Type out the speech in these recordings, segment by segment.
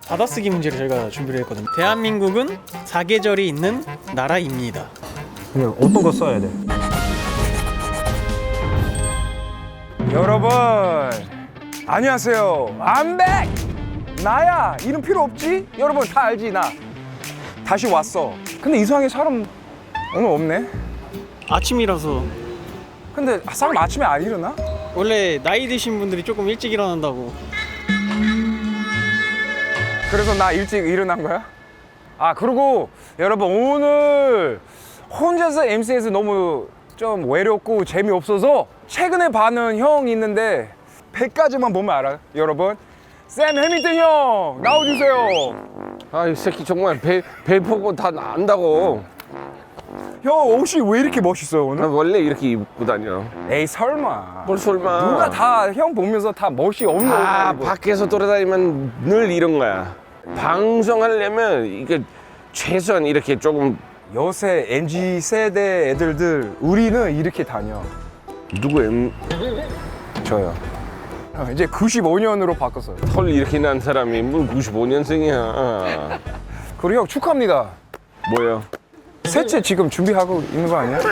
받아쓰기 문제를 저희가 준비를 했거든요. 대한민국은 사계절이 있는 나라입니다. 근데 어떤 거 써야 돼? 여러분 안녕하세요. I'm back. 나야. 이름 필요 없지? 여러분 다 알지 나. 다시 왔어. 근데 이상하게 사람 오늘 없네. 아침이라서. 근데 사람 아침에 안 일어나? 원래 나이 드신 분들이 조금 일찍 일어난다고. 그래서 나 일찍 일어난 거야? 아 그리고 여러분 오늘 혼자서 MC에서 너무 좀 외롭고 재미없어서 최근에 봐는 형 있는데 100까지만 보면 알아요 여러분. 샘 해밍턴 형 나와주세요. 아, 이 새끼 정말 배 보고 다 안다고. 형 옷이 왜 이렇게 멋있어요 나 오늘? 원래 이렇게 입고 다녀. 에이 설마. 뭘 설마. 누가 다 형 보면서 다 멋이 없는 아, 옷 입고. 밖에서 돌아다니면 늘 이런 거야. 방송하려면 이게 최소한 이렇게 조금. 요새 MZ 세대 애들들 우리는 이렇게 다녀. 누구 저요. 이제 95년으로 바꿨어요. 털 이렇게 난 사람이 뭐 95년생이야. 그리고 형 축하합니다. 뭐야? 셋째 지금 준비하고 있는 거 아니야?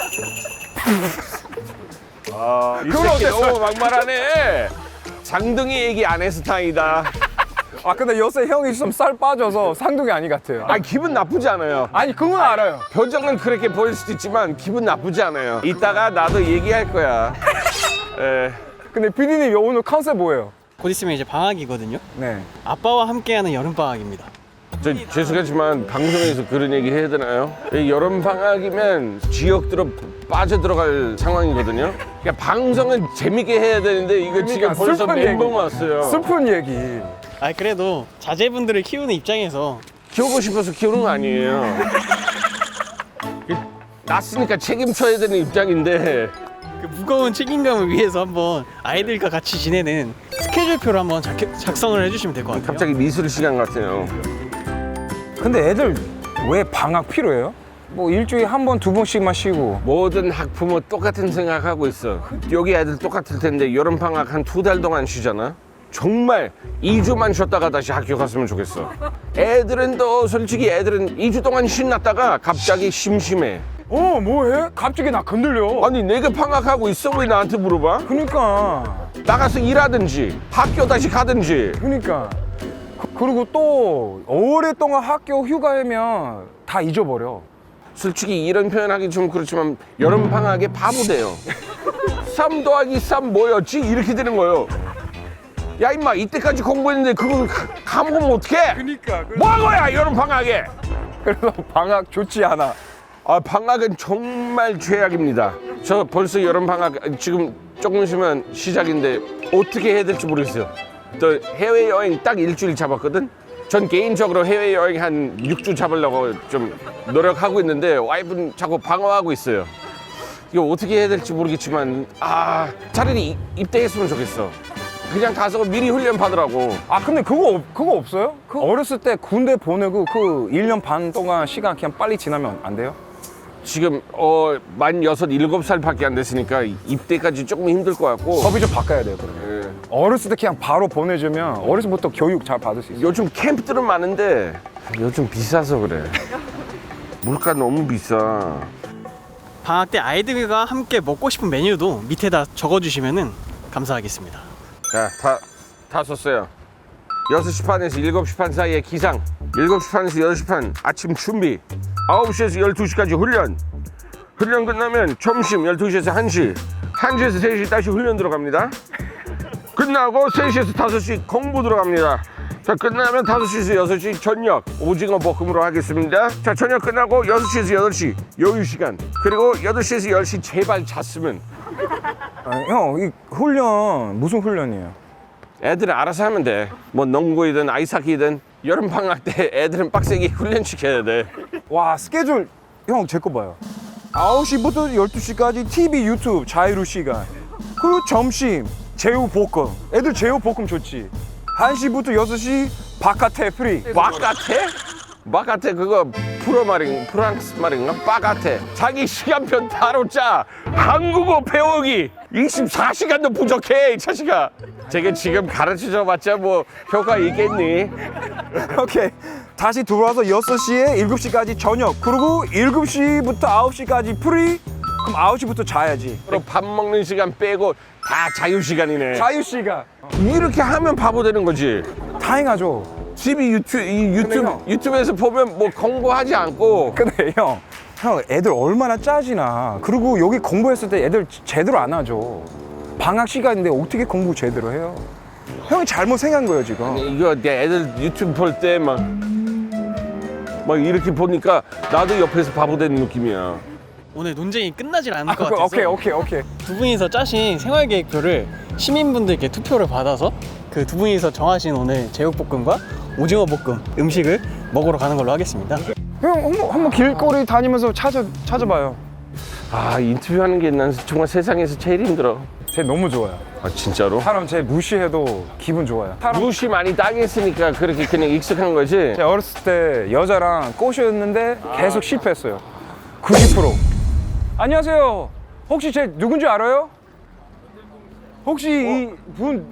이 그건 새끼 어땠어요? 너무 막말하네. 장등이 얘기 안 해서 다행이다. 아 근데 요새 형이 좀 살 빠져서 상둥이 아니 같아요. 아, 기분 나쁘지 않아요. 아니 그건 알아요. 표정은 그렇게 보일 수도 있지만 기분 나쁘지 않아요. 이따가 나도 얘기할 거야. 에. 근데 PD님 오늘 컨셉 뭐예요? 곧 있으면 이제 방학이거든요. 네. 아빠와 함께하는 여름 방학입니다. 저 죄송하지만 방송에서 그런 얘기 해야 되나요? 이 여름 방학이면 지역들로 빠져들어갈 상황이거든요. 그러니까 방송은 재밌게 해야 되는데 이거 지금 그러니까 벌써 슬픈 멘붕 얘기. 왔어요. 슬픈 얘기. 아 그래도 자제분들을 키우는 입장에서 키우고 싶어서 키우는 거 아니에요. 낳았으니까 책임져야 되는 입장인데 그 무거운 책임감을 위해서 한번 아이들과 같이 지내는 스케줄표를 한번 작성을 해주시면 될 것 같아요. 갑자기 미술 시간 같아요. 근데 애들 왜 방학 필요해요? 뭐 일주일에 한 번, 두 번씩만 쉬고. 모든 학부모 똑같은 생각하고 있어. 여기 애들 똑같을 텐데 여름 방학 한 2달 동안 쉬잖아. 정말 2주만 쉬었다가 다시 학교 갔으면 좋겠어. 애들은 또 솔직히 애들은 2주 동안 신났다가 갑자기 심심해. 뭐해? 갑자기 나 건들려. 아니 내가 방학하고 있어 왜 나한테 물어봐? 그니까. 나가서 일하든지 학교 다시 가든지. 그니까. 그리고 또 오랫동안 학교 휴가하면 다 잊어버려. 솔직히 이런 표현하기 좀 그렇지만 여름 방학에 바보 돼요. 3 더하기 3 뭐였지? 이렇게 되는 거예요. 야 임마 이때까지 공부했는데 그거 까먹으면 어떡해? 그니까. 뭐 한 거야 여름 방학에? 그래서 방학 좋지 않아. 아 방학은 정말 죄악입니다. 저 벌써 여름 방학 지금 조금 있으면 시작인데 어떻게 해야 될지 모르겠어요. 또 해외여행 딱 일주일 잡았거든. 전 개인적으로 해외여행 한 6주 잡으려고 좀 노력하고 있는데 와이프는 자꾸 방어하고 있어요. 이거 어떻게 해야 될지 모르겠지만 차라리 입대했으면 좋겠어. 그냥 가서 미리 훈련 받으라고. 아 근데 그거 없어요? 그 어렸을 때 군대 보내고 그 1년 반 동안 시간 그냥 빨리 지나면 안 돼요? 지금 만 6, 7살밖에 안 됐으니까 입대까지 조금 힘들 것 같고. 법이 좀 바꿔야 돼요 그러면. 예. 어렸을 때 그냥 바로 보내주면 어렸을 때부터 교육 잘 받을 수 있어요. 요즘 캠프들은 많은데 요즘 비싸서 그래. 물가 너무 비싸. 방학 때 아이들과 함께 먹고 싶은 메뉴도 밑에다 적어주시면 감사하겠습니다. 자, 다 썼어요. 6시 반에서 7시 반 사이에 기상, 7시 반에서 8시 반 아침 준비, 9시에서 12시까지 훈련. 훈련 끝나면 점심 12시에서 1시, 1시에서 3시 다시 훈련 들어갑니다. 끝나고 3시에서 5시 공부 들어갑니다. 자, 끝나면 5시에서 6시 저녁 오징어 볶음으로 하겠습니다. 자, 저녁 끝나고 6시에서 8시 여유 시간. 그리고 8시에서 10시 제발 잤으면. 형, 이 훈련 무슨 훈련이에요? 애들은 알아서 하면 돼. 뭐 농구이든 아이스하키든 여름 방학 때 애들은 빡세게 훈련시켜야 돼. 와 스케줄 형 제 거 봐요. 9시부터 12시까지 TV 유튜브 자유로 시간. 그리고 점심 제육볶음. 애들 제육볶음 좋지. 1시부터 6시 바깥에 프리. 바깥에? 바카테 그거 프랑스 말인가? 바카테 자기 시간표 따로 짜. 한국어 배우기 24시간도 부족해 이 자식아. 제가 지금 가르쳐줘 봤자 뭐 효과 있겠니? 오케이. 다시 들어와서 6시에 7시까지 저녁. 그리고 7시부터 9시까지 프리. 그럼 9시부터 자야지. 그리고 밥 먹는 시간 빼고 다 자유 시간이네. 자유시간. 이렇게 하면 바보 되는 거지. 다행하죠. 집이 형. 유튜브에서 보면 뭐 공부하지 않고. 근데 형 애들 얼마나 짜지나. 그리고 여기 공부했을 때 애들 제대로 안 하죠. 방학 시간인데 어떻게 공부 제대로 해요? 형이 잘못 생각한 거예요 지금. 이거 내 애들 유튜브 볼 때 막 이렇게 보니까 나도 옆에서 바보 되는 느낌이야. 오늘 논쟁이 끝나질 않을 것 같아서 오케이. 두 분이서 짜신 생활계획표를 시민분들께 투표를 받아서 그 두 분이서 정하신 오늘 제육볶음과 오징어 볶음 음식을 먹으러 가는 걸로 하겠습니다. 형 한번 길거리 다니면서 찾아봐요. 아 인터뷰하는 게 난 정말 세상에서 제일 힘들어. 쟤 너무 좋아요. 아 진짜로? 사람 쟤 무시해도 기분 좋아요. 무시 많이 당했으니까 그렇게 그냥 익숙한 거지. 제가 어렸을 때 여자랑 꼬셨는데 계속 실패했어요. 90%. 안녕하세요. 혹시 제 누군지 알아요? 혹시 이분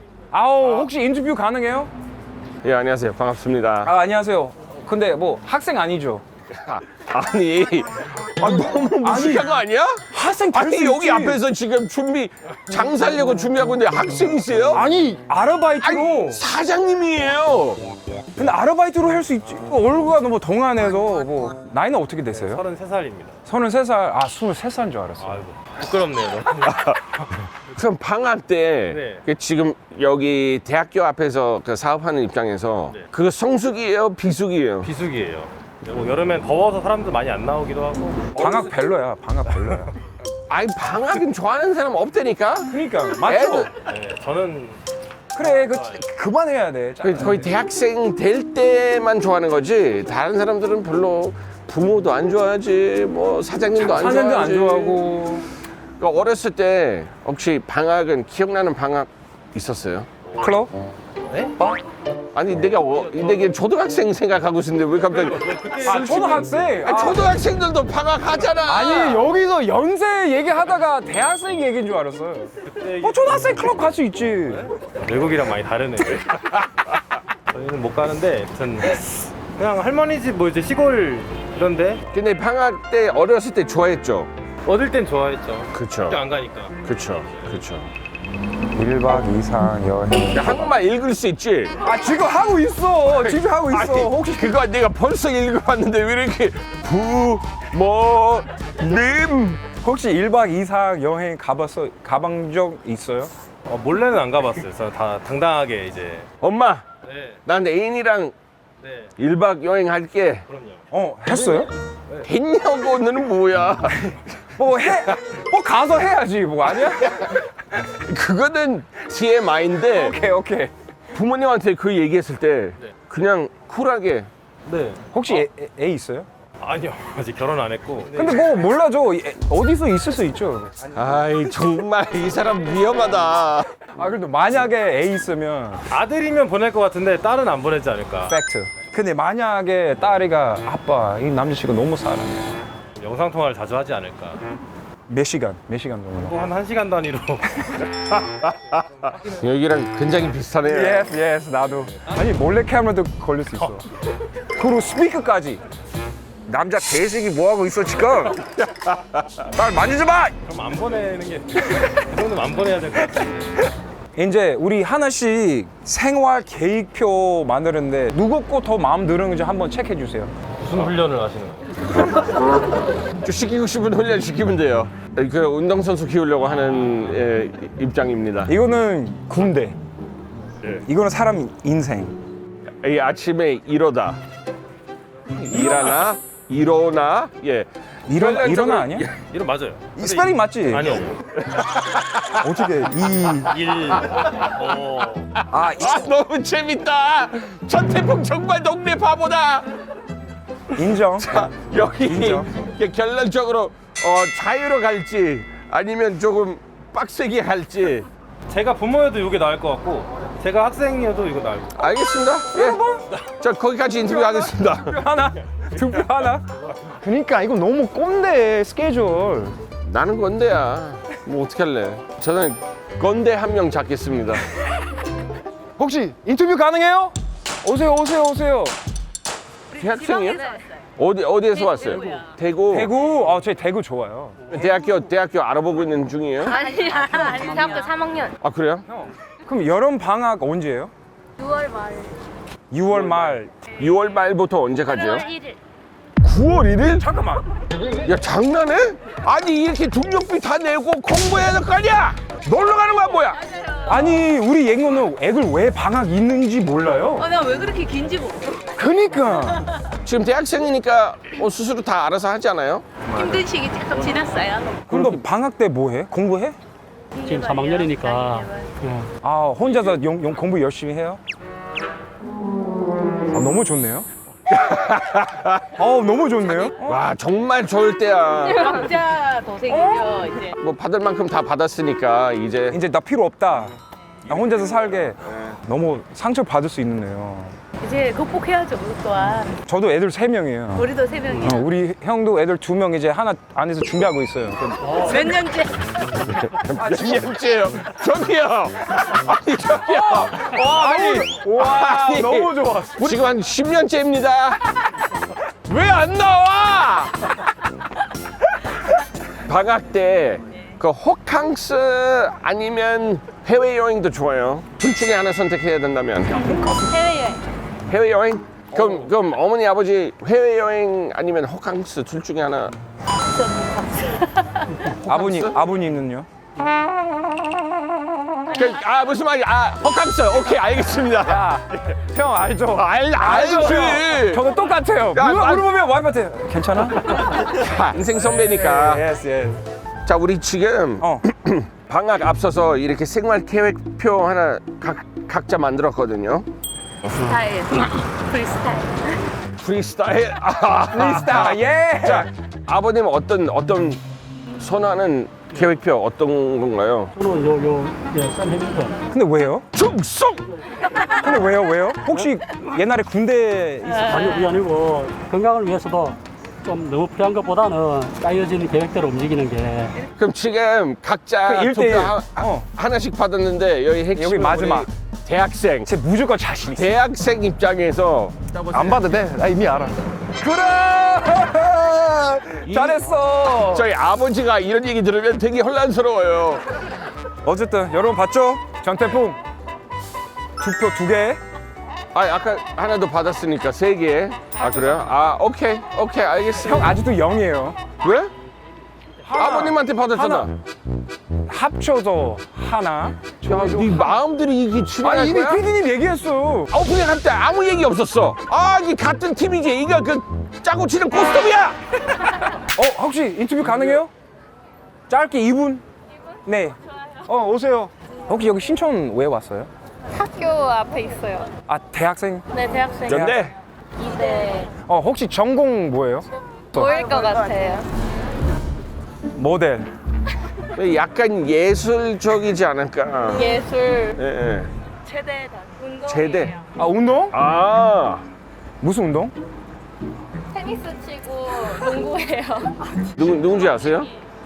혹시 인터뷰 가능해요? 예 안녕하세요 반갑습니다. 안녕하세요. 근데 뭐 학생 아니죠? 아니 너무 무식한 거 아니야? 학생 될 아니 수 여기 있지. 앞에서 지금 장사하려고 준비하고 있는데 학생이세요? 아니 아르바이트로. 아니 사장님이에요. 근데 아르바이트로 할 수 있지. 얼굴가 너무 동안해서 뭐 나이는 어떻게 되세요? 33살입니다. 33살. 아 23살인 줄 알았어. 아이고 부끄럽네요. 너무. 그럼 방학 때 네. 그 지금 여기 대학교 앞에서 그 사업하는 입장에서 네. 그거 성수기예요 비수기예요? 비수기예요. 뭐 여름엔 더워서 사람들 많이 안 나오기도 하고. 방학 별로야. 방학 별로야. 아니 방학은 좋아하는 사람 없다니까. 그러니까 맞죠? 네, 저는 그래 그만해야 돼. 거의 대학생 될 때만 좋아하는 거지. 다른 사람들은 별로 부모도 안 좋아하지, 뭐 사장님도 안 사장도 안 좋아하지. 좋아하고. 그러니까 어렸을 때 혹시 방학은 기억나는 방학 있었어요? 클럽? 아니 내가 초등학생 생각하고 있었는데 왜 갑자기? 아 초등학생? 아니, 초등학생들도 방학 하잖아. 아니 여기서 연세 얘기하다가 대학생 얘기인 줄 알았어요. 초등학생 클럽 갈 수 있지. 외국이랑 많이 다르네. 저희는 못 가는데 아무튼 그냥 할머니 집 뭐 이제 시골 이런데 근데 방학 때 어렸을 때 좋아했죠. 어릴 땐 좋아했죠. 그쵸. 학교 안 가니까. 그쵸. 1박 이상 여행. 한국말 읽을 수 있지? 아 지금 하고 있어. 지금 하고 있어. 아니, 혹시 그거 내가 벌써 읽어봤는데 왜 이렇게 부모님 혹시 1박 이상 여행 가본 적 있어요? 몰래는 안 가봤어요. 저는 다 당당하게 이제. 엄마 네, 난 애인이랑 네, 1박 여행 할게. 그럼요. 했어요? 했냐고는 뭐야? 뭐 가서 해야지 뭐 아니야? 그거는 TMI인데 오케이. 부모님한테 그 얘기했을 때 그냥 쿨하게 네. 혹시 애 있어요? 아니요, 아직 결혼 안 했고. 근데 뭐 몰라죠. 어디서 있을 수 있죠. 아이 정말 이 사람 위험하다. 아 그래도 만약에 애 있으면 아들이면 보낼 것 같은데 딸은 안 보내지 않을까. 팩트. 근데 만약에 딸이가 아빠 이 남자친구 너무 사랑해. 영상 통화를 자주 하지 않을까. 몇 시간 정도? 또 한 1시간 단위로. 여기랑 굉장히 비슷하네요. Yes, 나도. 아니 몰래 카메라도 걸릴 수 있어. 그리고 스피커까지. 남자 개새끼 뭐 하고 있어 지금? 딸 만지지 마. 그럼 안 보내는 게. 그 정도는 안 보내야 될 것 같아. 이제 우리 하나씩 생활 계획표 만드는데 누구 거 더 마음 드는지 한번 체크해 주세요. 무슨 훈련을 하시는 거예요? 좀 시키고 싶은 훈련 시키면 돼요. 그 운동선수 키우려고 하는 입장입니다. 이거는 군대. 이거는 사람 인생. 이 아침에 일어나 일어나 예 일어나 아니야? 이름 맞아요. 이 스펠링 맞지? 아니요. 어떻게 아 너무 재밌다. 전태풍 정말 동네 바보다. 인정. 여기 인정. 결론적으로 자유로 갈지 아니면 조금 빡세게 할지. 제가 부모여도 이게 나을 것 같고 제가 학생이어도 이거 나요. 알겠습니다. 예. 자, 거기까지 인터뷰하겠습니다. 투표 하나? 그러니까 이거 너무 꼰대 스케줄. 나는 건대야. 뭐 어떻게 할래? 저는 건대 한 명 잡겠습니다. 혹시 인터뷰 가능해요? 오세요. 대학생이요? 어디에서 왔어요? 대구. 대구. 저희 대구 좋아요. 대학교 알아보고 있는 중이에요? 아니 대학교 3학년 아, 그래요? 그럼 여름 방학 언제예요? 6월 말 6월 말. 6월 말부터 언제까지요? 8월 1일 9월 1일? 잠깐만. 야, 장난해? 아니, 이렇게 등록비 다 내고 공부해야 될 거 아니야? 놀러 가는 거야, 뭐야? 아니 우리 예고는 애들 왜 방학 있는지 몰라요? 나 왜 그렇게 긴지 모르 그니까. 지금 대학생이니까 스스로 다 알아서 하지 않아요? 힘든 시기 조금 지났어요 그럼 너 방학 때 뭐 해? 공부해? 지금 3학년이니까 혼자서 공부 열심히 해요? 너무 좋네요. 너무 좋네요. 와, 정말 좋을 때야. 각자 도생이죠 이제 뭐 받을 만큼 다 받았으니까 이제 이제 나 필요 없다. 나 혼자서 살게. 너무 상처 받을 수 있네요. 이제 극복해야죠 우리 또한 저도 애들 3명이에요. 우리도 3명이야 우리 형도 애들 2명 이제 하나 안에서 준비하고 있어요. 몇 년째 몇 년째요? 저기요. 아니, 저기요. 와, 아니, 너무 좋아. 지금 한 10년째입니다. 왜 안 나와? 방학 때 그 호캉스 아니면 해외여행도 좋아요. 둘 중에 하나 선택해야 된다면 해외여행 해외여행? 그럼 어머니 아버지 해외여행 아니면 호캉스 둘 중에 하나. 아버님은요? 무슨 말이야? 호캉스. 오케이, 알겠습니다. 형 알죠? 알지. 저도 똑같아요. 야, 물어보면 와이프한테 괜찮아? 인생 선배니까. 예스. 자, 우리 지금 방학 앞서서 이렇게 생활 계획표 하나 각자 만들었거든요. 스타일 프리스타일 프리스타일. 프리스타일. 예. 자, 아버님 어떤 선호하는 계획표 어떤 건가요? 저는 샌 해밀턴 근데 왜요? 충성. 근데 왜요? 혹시 옛날에 군대 있었어요? 아니 그게 아니고 건강을 위해서도 좀 너무 필요한 것보다는 짜여진 계획대로 움직이는 게 그럼 지금 각자 그 투표 일대일. 하나씩 받았는데 여기 핵심 여기 마지막. 대학생. 제 무조건 자신 있어. 대학생 입장에서 안 봐도 돼. 나 이미 알아. 그래. 잘했어. 저희 아버지가 이런 얘기 들으면 되게 혼란스러워요. 어쨌든 여러분 봤죠? 전태풍 투표 2개. 아까 하나도 받았으니까 3개. 그래요? 오케이 알겠습니다. 형 아직도 0이에요. 왜? 아버님한테 받았잖아. 하나. 합쳐서 하나. 야, 네 마음들이 이게 출연할 이미 거야? PD님 얘기했어. 오프닝 할 때 아무 얘기 없었어. 이게 같은 팀이지. 이거 그 짜고 치는 고스톱이야. 혹시 인터뷰 가능해요? 짧게 2분? 네. 오세요. 혹시 여기 신촌 왜 왔어요? 학교 앞에 있어요 대학생? 네 대학생 근데 네 혹시 전공 뭐예요? 보일 것 같아요 모델. 약간 예술적이지 않을까. 예술 예. 체대다 운동이에요 제대. 운동? 무슨 운동? 테니스 치고 농구해요 누군지 아세요?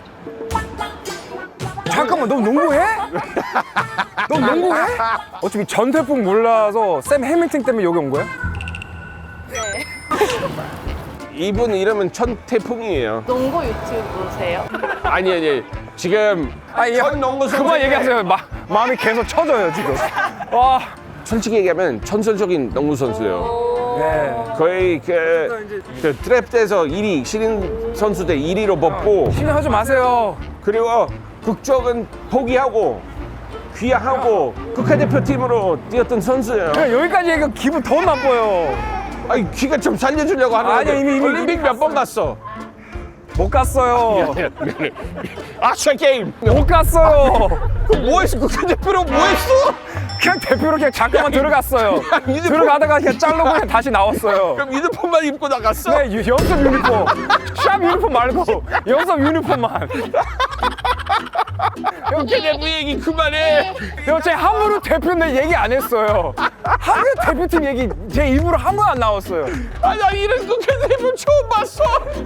잠깐만, 너 농구해? 너 농구해? 어차피 전태풍 몰라서 샘 해밀턴 때문에 여기 온 거야? 네 이분 이름은 천태풍이에요. 농구 유튜브세요? 아니. 지금 전 농구 선수. 그만 얘기하세요. 마음이 계속 쳐져요 지금. 와. 솔직히 얘기하면 천설적인 농구 선수예요. 네. 거의 그 트랩대에서 1위, 신인 선수 대 1위로 뽑고, 신뢰하지 마세요. 그리고 국적은 포기하고 귀화하고 국가대표팀으로 뛰었던 선수예요. 그냥 여기까지 얘기가 기분 더 나빠요. 귀가 좀 살려주려고 하는데. 아니야, 이미 올림픽 몇 번 갔어? 못 갔어요. 미안해. 아시안 게임 못 갔어요. 그럼 뭐했어? 국가대표로 뭐했어? 그냥 대표로 그냥 잠깐만 들어갔어요. 유니폼. 들어가다가 그냥 잘르고 그냥 다시 나왔어요. 그럼 유니폼만 입고 나갔어? 네, 연습 유니폼. 샵 유니폼 말고 연습 유니폼만. 형, 대구 얘기 그만해. 형, 제 함부로 대표는 얘기 안 했어요. 함부로 대표팀 얘기 제 입으로 한 번 안 나왔어요. 아, 나 이런 거 대표 처음 봤어.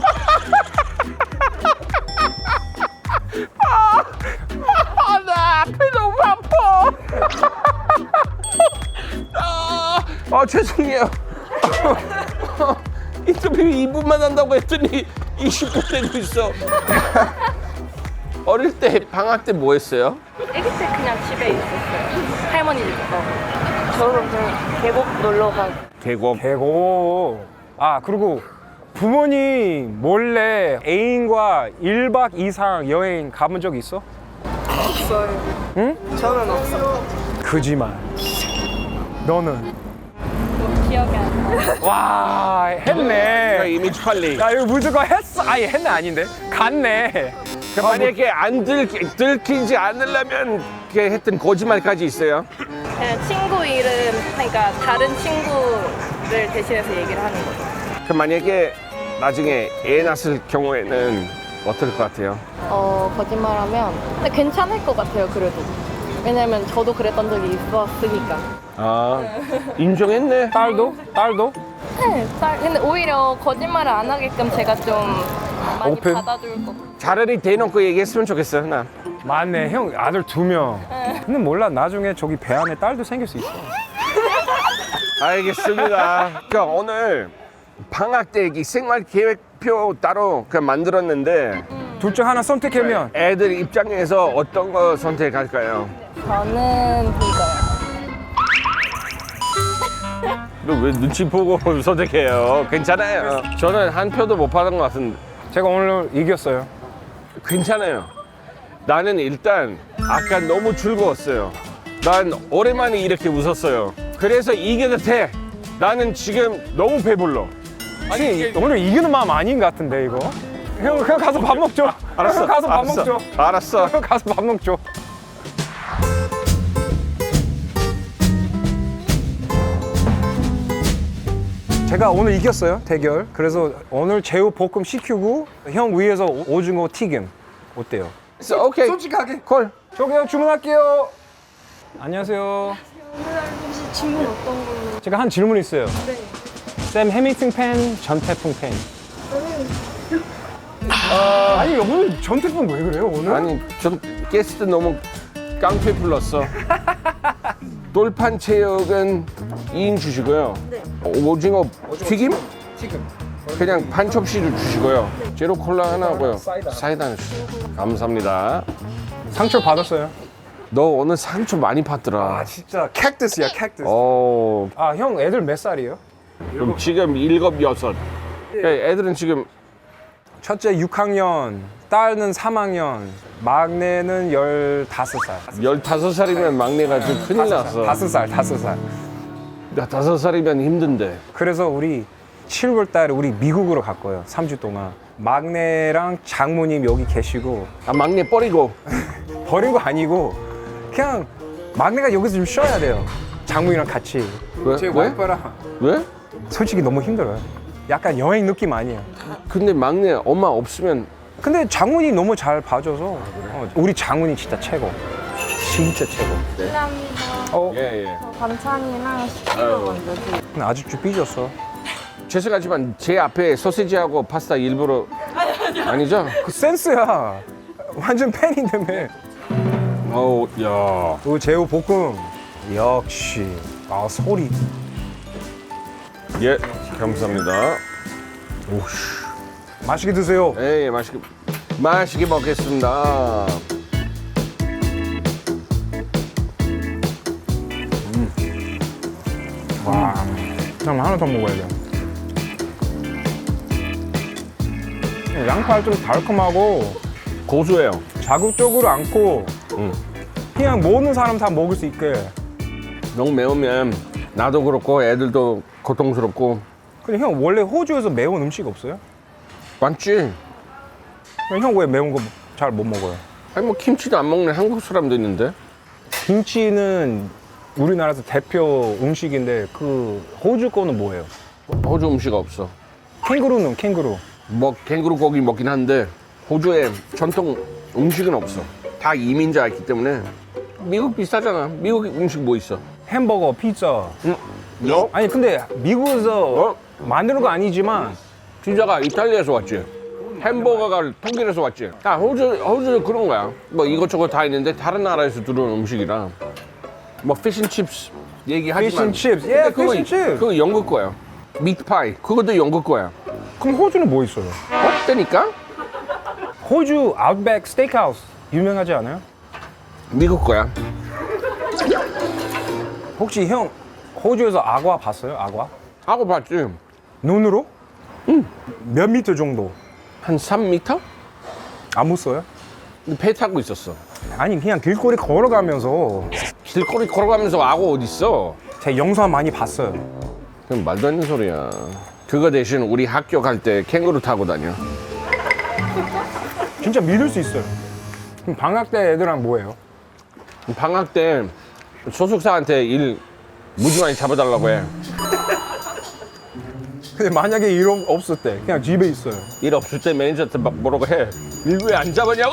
나 앞에 너무 아파. 죄송해요. 인터뷰 2분만 한다고 했더니 20분 되고 있어. 어릴 때 방학 때 뭐 했어요? 아기 때 그냥 집에 있었어요. 할머니 집 가고. 저는 그냥 계곡 놀러 가고. 계곡. 계곡. 아, 그리고 부모님 몰래 애인과 1박 이상 여행 가본 적 있어? 없어요. 응? 저는 없어요. 거짓말. 너는? 기억이 안 나요. 와, 했네. 이미지 관리. 야, 이거 무조건 했어. 아니, 했네 아닌데? 갔네. 만약에 안 들키지 않으려면 이렇게 했던 거짓말까지 있어요. 그냥 친구 이름, 그러니까 다른 친구를 대신해서 얘기를 하는 거죠. 그 만약에 나중에 애 낳았을 경우에는 어떨 것 같아요? 거짓말하면 근데 괜찮을 것 같아요. 그래도 왜냐면 저도 그랬던 적이 있었으니까. 아, 인정했네. 딸도? 딸도? 네, 근데 오히려 거짓말을 안 하게끔 제가 좀 많이 오픈? 받아줄 것 같아요. 차라리 대놓고 얘기했으면 좋겠어, 나. 맞네. 형 아들 2명. 근데 몰라. 나중에 저기 배 안에 딸도 생길 수 있어. 알겠습니다. 그러니까 오늘 방학 때 이 생활 계획표 따로 만들었는데 둘 중 하나 선택하면 애들 입장에서 어떤 거 선택할까요? 저는 이거요. 너 왜 눈치 보고 선택해요? 괜찮아요. 저는 한 표도 못 받은 것 같은데. 제가 오늘 이겼어요. 괜찮아요. 나는 일단 아까 너무 즐거웠어요. 난 오랜만에 이렇게 웃었어요. 그래서 이겨도 돼. 나는 지금 너무 배불러. 아니, 오늘 이기는 마음 아닌 것 같은데 이거. 형 그냥 가서 밥 먹죠. 알았어. 형 가서 밥 알았어. 먹죠. 알았어. 형 가서 밥 먹죠. 제가 오늘 이겼어요, 대결. 그래서 오늘 제우 볶음 시키고 형 위에서 오징어 튀김 어때요? 오케이. 솔직하게. 콜. 저기요, 주문할게요. 안녕하세요. 혹시 질문 어떤 걸로? 제가 한 질문 있어요. 네. 샘 해밍턴 팬, 전태풍 팬. 아니 오늘 전태풍 왜 그래요 오늘? 아니 좀 게스트 너무 깡패 불렀어. 돌판 체육은 2인 주시고요. 네. 오징어 튀김? 지금. 그냥 반 접시를 주시고요. 제로 콜라 하나 하고요. 사이다 하나 주시고. 감사합니다. 상처 받았어요. 너 오늘 상처 많이 받더라. 진짜 캡트스야 캡트스. 어, 아 형 애들 몇 살이에요? 그럼 지금 7, 6. 애들은 지금 첫째 6학년, 딸은 3학년, 막내는 15살. 15살이면 막내가 좀 큰일 났어. 5살. 나 5살이면 힘든데. 그래서 우리 7월 달에 우리 미국으로 갈 거예요. 3주 동안. 막내랑 장모님 여기 계시고 아, 막내 버리고. 버린 거 아니고 그냥 막내가 여기서 좀 쉬어야 돼요. 장모님이랑 같이. 왜? 제 왜? 와이프랑 왜? 솔직히 너무 힘들어요. 약간 여행 느낌 아니에요. 근데 막내 엄마 없으면 근데 장모님 너무 잘 봐줘서 우리 장모님 진짜 최고. 진짜 최고. 감사합니다. 예. 반찬이랑 식기도 먼저 드릴게요. 근데 아직도 삐졌어. 죄송하지만 제 앞에 소시지하고 파스타 일부러 아니죠? 그 센스야. 완전 팬인데며. 어우, 야. 그 제우 볶음. 역시. 아 소리. 예, 감사합니다. 오씨. 맛있게 드세요. 예, 맛있게 먹겠습니다. 와. 그럼 하나 더 먹어야 돼. 양파 좀 달콤하고 고소해요. 자극적으로 않고 응. 그냥 모든 사람 다 먹을 수 있게. 너무 매우면 나도 그렇고 애들도 고통스럽고. 근데 형 원래 호주에서 매운 음식 없어요? 맞지? 형 왜 매운 거 잘 못 먹어요? 아니 뭐 김치도 안 먹는 한국 사람도 있는데. 김치는 우리나라에서 대표 음식인데 그 호주 거는 뭐예요? 호주 음식 없어. 캥거루. 뭐 캥거루 고기 먹긴 한데 호주에 전통 음식은 없어. 다 이민자였기 때문에 미국 비슷하잖아. 미국 음식 뭐 있어? 햄버거, 피자. 너? 아니 근데 미국에서 만드는 거 아니지만 피자가 이탈리아에서 왔지. 햄버거가 독일에서 왔지. 호주 그런 거야. 뭐 이것저것 다 있는데 다른 나라에서 들어온 음식이라. 뭐 피쉬앤칩스 얘기하지만. 피쉬앤칩스. 예, 근데 피쉬앤칩스. 그거 영국 거야. 미트파이 그것도 영국 거야. 그럼 호주는 뭐 있어요? 없다니까? 호주 아웃백 스테이크하우스 유명하지 않아요? 미국 거야. 혹시 형 호주에서 악어 봤어요? 악어? 하고 봤지. 눈으로? 몇 미터 정도? 한 3m? 안 mus어요? 배 타고 있었어. 아니 그냥 길거리 걸어가면서 길거리 걸어가면서 악어 어딨어? 제 영상 많이 봤어요. 그럼 말도 안 되는 소리야. 그거 대신 우리 학교 갈 때 캥거루 타고 다녀. 진짜 믿을 수 있어요. 그럼 방학 때 애들랑 뭐해요? 방학 때 소속사한테 일 무지 많이 잡아달라고 해. 근데 만약에 일 없을 때 그냥 집에 있어요. 일 없을 때 매니저한테 막 뭐라고 해. 일 왜 안 잡았냐고?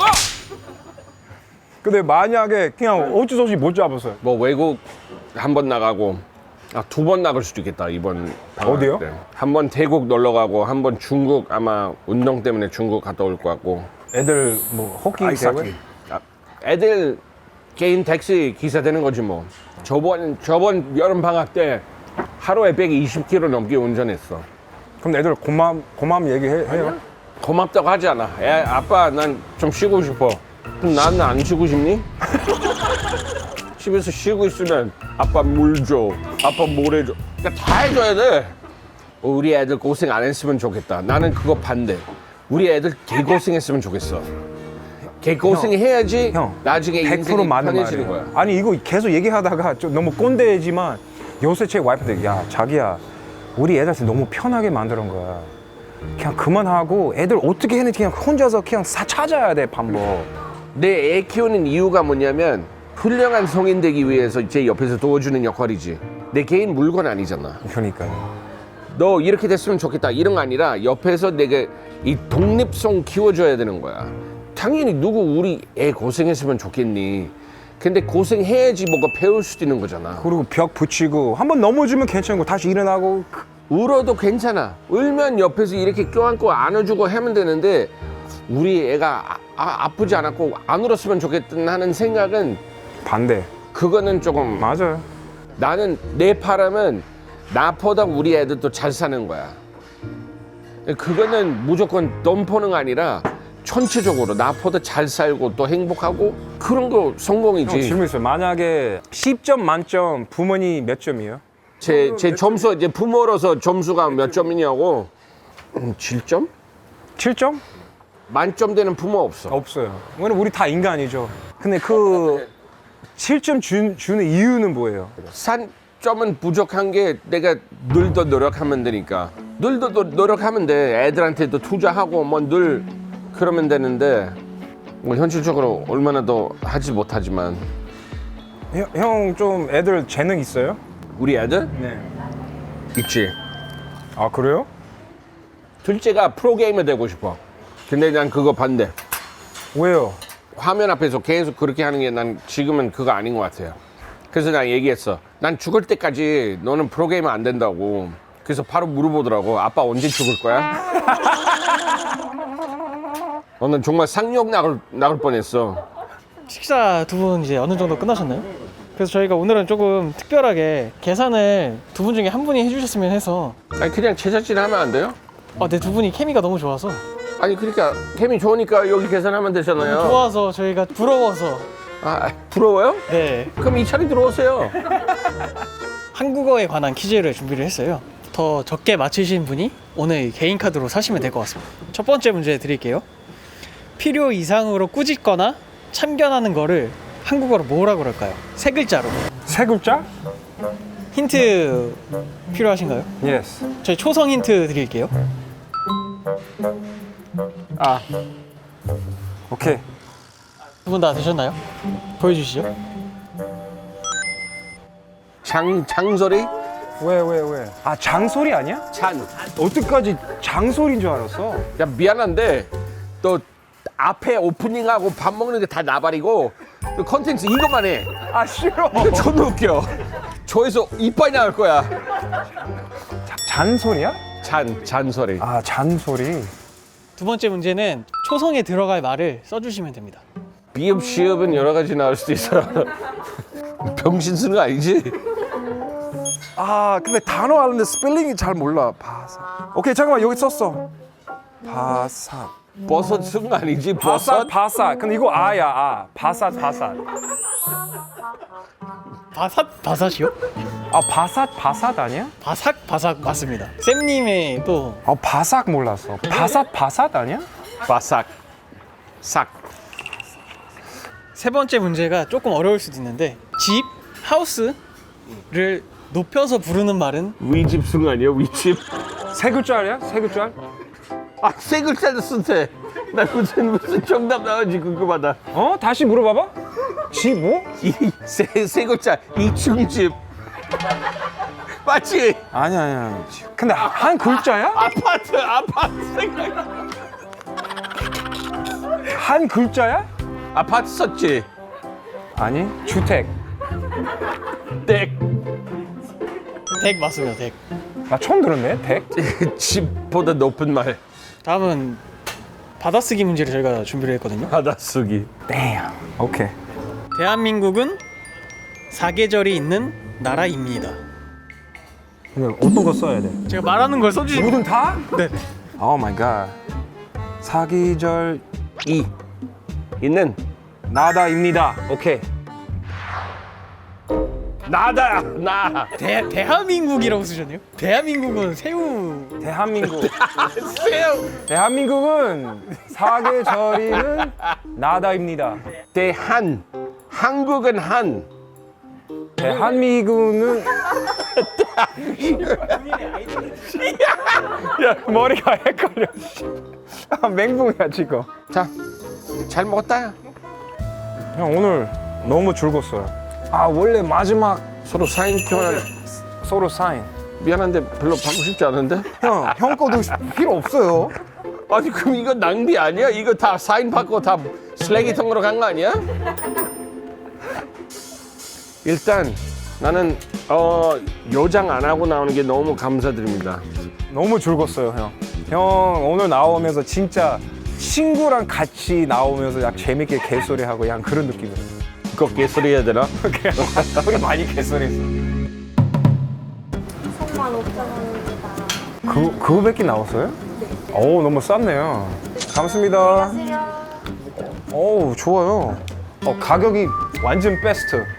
근데 만약에 그냥 어쩔 수 없이 못 잡았어요. 뭐 외국 한 번 나가고 2번 나갈 수도 있겠다 이번 방학 어디요? 때. 한 번 태국 놀러 가고 한 번 중국 아마 운동 때문에 중국 갔다 올 것 같고. 애들 뭐 호키 대회? 애들 개인 택시 기사 되는 거지 뭐. 저번 여름 방학 때 하루에 120km 넘게 운전했어. 그럼 애들 고마움 얘기해요? 고맙다고 하지 않아. 아빠 난 좀 쉬고 싶어. 그럼 나는 안 쉬고 싶니? 집에서 쉬고 있으면 아빠 물 줘. 아빠 모래 줘. 그러니까 다 해줘야 돼. 우리 애들 고생 안 했으면 좋겠다. 나는 그거 반대. 우리 애들 개고생했으면 좋겠어. 개고생해야지 형, 나중에 100% 인생이 맞는 편해지는 말이에요. 거야. 아니 이거 계속 얘기하다가 좀 너무 꼰대지만 요새 제 와이프한테 야 자기야 우리 애들한테 너무 편하게 만드는 거야. 그냥 그만하고 애들 어떻게 했는지 그냥 혼자서 그냥 찾아야 돼 방법. 내 애 키우는 이유가 뭐냐면 훌륭한 성인 되기 위해서 제 옆에서 도와주는 역할이지. 내 개인 물건 아니잖아. 그러니까요. 너 이렇게 됐으면 좋겠다 이런 거 아니라 옆에서 내가 이 독립성 키워줘야 되는 거야. 당연히 누구 우리 애 고생했으면 좋겠니. 근데 고생해야지 뭐가 배울 수도 있는 거잖아. 그리고 벽 붙이고 한번 넘어지면 괜찮고 다시 일어나고. 울어도 괜찮아. 울면 옆에서 이렇게 껴안고 안아주고 하면 되는데 우리 애가 아프지 않았고 안 울었으면 좋겠다 하는 생각은 반대. 그거는 조금 맞아요. 나는 내 바람은 나보다 우리 애들도 잘 사는 거야. 그거는 무조건 돈 버는 거 아니라 전체적으로 나보다 잘 살고 또 행복하고 그런 거 성공이지. 형 질문 있어요. 만약에 10점 만점 부모님 몇 점이에요? 제 점수 이제 부모로서 점수가 몇 점이냐고 7점? 7점? 만점 되는 부모 없어. 없어요. 왜냐면 우리 다 인간이죠. 근데 그 7점 주는 이유는 뭐예요? 산점은 부족한 게 내가 늘 더 노력하면 되니까 늘 더 노력하면 돼. 애들한테도 투자하고 뭐 늘 그러면 되는데 뭐 현실적으로 얼마나 더 하지 못하지만 형 좀 애들 재능 있어요? 우리 애들 네. 있지. 아 그래요? 둘째가 프로게이머 되고 싶어. 근데 난 그거 반대. 왜요? 화면 앞에서 계속 그렇게 하는 게 난 지금은 그거 아닌 것 같아요. 그래서 난 얘기했어. 난 죽을 때까지 너는 프로게이머 안 된다고. 그래서 바로 물어보더라고. 아빠 언제 죽을 거야? 너는 정말 상욕 나갈 뻔했어. 식사 두 분 이제 어느 정도 끝나셨나요? 그래서 저희가 오늘은 조금 특별하게 계산을 두 분 중에 한 분이 해주셨으면 해서 아니 그냥 제작진 하면 안 돼요? 네, 두 분이 케미가 너무 좋아서 아니 그러니까 케미 좋으니까 여기 계산하면 되잖아요. 좋아서 저희가 부러워서 아 부러워요? 네 그럼 이 차례 들어오세요. 한국어에 관한 퀴즈를 준비를 했어요. 더 적게 맞히신 분이 오늘 개인 카드로 사시면 될 것 같습니다. 첫 번째 문제 드릴게요. 필요 이상으로 꾸짖거나 참견하는 거를 한국어로 뭐라 그럴까요? 세 글자로. 세 글자? 힌트 필요하신가요? 예스. 저희 초성 힌트 드릴게요. 아 오케이. 두 분 다 되셨나요? 보여주시죠. 장소리? 왜? 아 장소리 아니야? 찬. 어떡하지 장소리인 줄 알았어. 야 미안한데 너 앞에 오프닝하고 밥 먹는 게 다 나발이고 그 컨텐츠 이것만 해. 아 싫어. 이거 존나 웃겨. 저에서 이빨이 나올 거야. 잔소리야? 잔소리. 아 잔소리. 두 번째 문제는 초성에 들어갈 말을 써주시면 됩니다. 비읍 시읍은 여러 가지 나올 수도 있어. 병신 쓰는 거 아니지? 아 근데 단어 아는데 스펠링이 잘 몰라. 바삭. 오케이 잠깐만 여기 썼어. 바삭. 버섯 쓰는 거 아니지? 바삭 버섯? 바삭. 근데 이거 아야 아. 바삭 바삭. 바삿이요? 아 바삭 바삭 아니야? 바삭 맞습니다. 쌤님의 또 아 바삭 몰랐어. 바삭 아니야? 바삭. 삭. 세 번째 문제가 조금 어려울 수도 있는데 집, 하우스를 높여서 부르는 말은 위집 쓰는 거 아니야? 위집? 세 글자야? 세 글자? 아, 세 글자도 쓴대. 나 무슨 정답 나오지 궁금하다. 어? 다시 물어봐봐. 집 뭐? 세 글자 2층 집. 맞지? 아니야. 근데 한 글자야? 아파트 생각. 한 글자야? 아파트 썼지? 아니. 주택. 땡. 댁 맞습니다. 댁. 나 처음 들었네. 댁. 집보다 높은 말. 다음은 받아쓰기 문제를 저희가 준비를 했거든요. 받아쓰기. damn. 오케이. 대한민국은 사계절이 있는 나라입니다. 그냥 어떤 거 써야 돼? 제가 말하는 걸 써주시면 모든 다? 네. 오 마이 갓. 사기절 이 있는 나다입니다. 오케이. 나다 나. 대한민국이라고 쓰셨네요. 대한민국은 새우. 대한민국. 새우. 대한민국은 사계절이는 나다입니다. 한국은 한. 대한민국은 야 머리가 헷갈려. 아, 맹붕이야 지금. 자, 잘 먹었다. 형 오늘 너무 즐거웠어요. 아 원래 마지막 서로 사인 교환. 서로 사인. 미안한데 별로 받고 싶지 않은데. 형 거도 필요 없어요. 아니 그럼 이거 낭비 아니야? 이거 다 사인 받고 다 쓰레기통으로 간 거 아니야? 일단 나는 요장 안 하고 나오는 게 너무 감사드립니다. 너무 즐거웠어요 형. 형 오늘 나오면서 진짜 친구랑 같이 나오면서 약 재밌게 개소리하고 그냥 그런 느낌이에요. 그거 개소리 해야 되나? 우리 많이 개소리했어. 35,000원입니다. 그거밖에 나왔어요? 네. 오 너무 쌌네요. 감사합니다. 안녕하세요. 오 좋아요. 가격이 완전 베스트.